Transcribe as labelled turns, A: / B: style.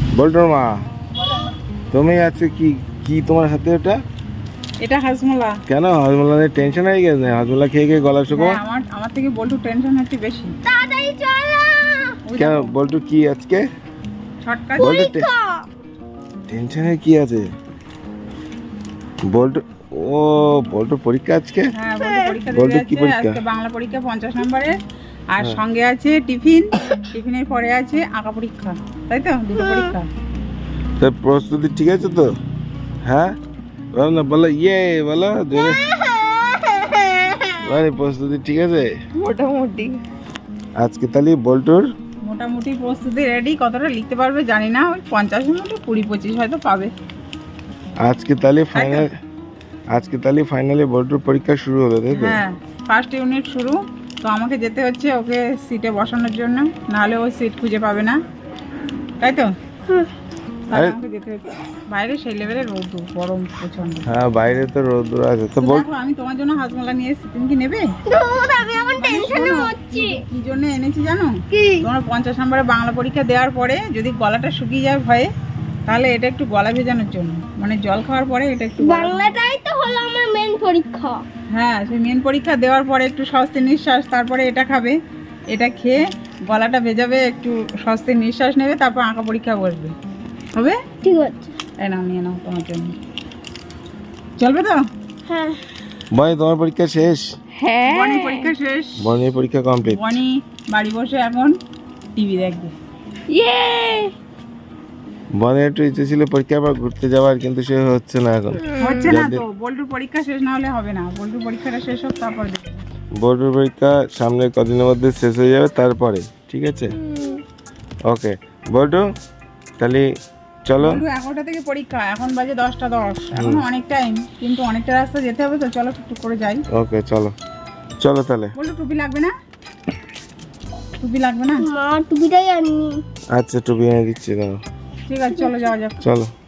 A: বল্টুর মা, তুমি আজকে কি কি তোমার হাতে ওটা?
B: এটা হাজমোলা।
A: কেন হাজমোলা নিয়ে টেনশন হয়ে গেছে? হাজমোলা খেয়ে খেয়ে গলা শুকো।
B: আমার থেকে বল্টু টেনশন হচ্ছে বেশি।
C: তাড়াতাড়ি চলো।
A: কেন বল্টু কি আজকে
B: ছটকা
A: বল্টু টেনশনে কি আছে? বল্টু ও বল্টু পরীক্ষা আজকে?
B: হ্যাঁ, বল্টু পরীক্ষা
A: বল্টু
B: দিতে
A: কি
B: যাচ্ছে
A: পরীক্ষা?
B: আজকে, বাংলা পরীক্ষা 50 নম্বরের। আর সঙ্গে আছে টিফিন, টিফিনের পরে আছে আঁকা পরীক্ষা, তাই তো? দুটো পরীক্ষা।
A: তোর প্রস্তুতি ঠিক আছে তো? হ্যাঁ বলো না, বলো ইয়ে বলো জোরে। মানে প্রস্তুতি ঠিক আছে
C: মোটামুটি।
A: আজকে তাহলে বল্টুর
B: মোটামুটি প্রস্তুতি রেডি। কতটা লিখতে পারবে জানি না, ওই 50-এর মধ্যে 20-25 হয়তো পাবে।
A: আজকে তাহলে ফাইনাল, আজকে তাহলে ফাইনালি বল্টুর পরীক্ষা শুরু হলো তাই তো?
B: হ্যাঁ, ফার্স্ট ইউনিট শুরু। তো আমাকে যেতে হচ্ছে ওকে সিটে বসানোর জন্য, নাহলে ও সিট খুঁজে পাবে না, তাই তো? তাই আমাকে যেতে হচ্ছে। বাইরে সেই লেভেলের রোদ, গরম প্রচন্ড।
A: হ্যাঁ বাইরে তো রোদ্দুর আছে তো
B: তো
A: বল।
B: দেখো, আমি তোমার জন্য হাজমোলা নিয়ে এসেছি, তুমি কি নেবে?
C: দুধ, আমি এখন টেনশনে হচ্ছি।
B: কি জন্য এনেছি জানো?
C: কি?
B: তোমার 50 নম্বরে বাংলা পরীক্ষা দেওয়ার পরে যদি গলাটা শুকিয়ে যায় ভয়ে, তাহলে এটা একটু গলা ভেজানোর জন্য, মানে জল খাওয়ার পরে এটা একটু
C: বাংলাটাই তো হলো আমার মেন পরীক্ষা।
B: হ্যাঁ, সেই মেন পরীক্ষা দেওয়ার পরে একটু স্বস্তির নিঃশ্বাস, তারপরে এটা খাবে। এটা খেয়ে গলাটা ভেজাবে, একটু স্বস্তির নিঃশ্বাস নেবে, তারপর আঁকা পরীক্ষা বসবে, হবে?
C: ঠিক আছে।
B: এই নাও, নিয়ে নাও তোমার জন্য। চলবে তো?
C: হ্যাঁ
A: বনি তোমার পরীক্ষা শেষ?
C: হ্যাঁ।
B: বনি পরীক্ষা শেষ।
A: বনির পরীক্ষা কমপ্লিট।
B: বনি বাড়ি বসে এখন টিভি দেখবে।
C: ইয়ে।
A: বনের একটু ইচ্ছে ছিল পরীক্ষার পর ঘুরতে যাওয়ার, কিন্তু সে হচ্ছে না এখন।
B: হচ্ছে না তো, বল্টুর পরীক্ষা শেষ না হলে হবে না। বল্টুর পরীক্ষাটা শেষ হোক, তারপর দেখবে।
A: বোর্ডের পরীক্ষা সামনে কদিনের মধ্যে শেষ হয়ে যাবে, তারপরে ঠিক আছে। ওকে বল্টু তাহলে চলো।
B: বল্টু 11টা থেকে পরীক্ষা, এখন বাজে 10টা 10। এখন অনেক টাইম, কিন্তু অনেকটা রাস্তা যেতে হবে, তো চলো টুকটুক করে যাই।
A: ওকে চলো চলো তাহলে।
B: বল্টু টুপি লাগবে না? টুপি লাগবে না?
C: মা টুপিটাই আনি।
A: আচ্ছা টুপি এনে দিচ্ছি দাও।
B: ঠিক আছে, চলো যাওয়া যাক।
A: চলো।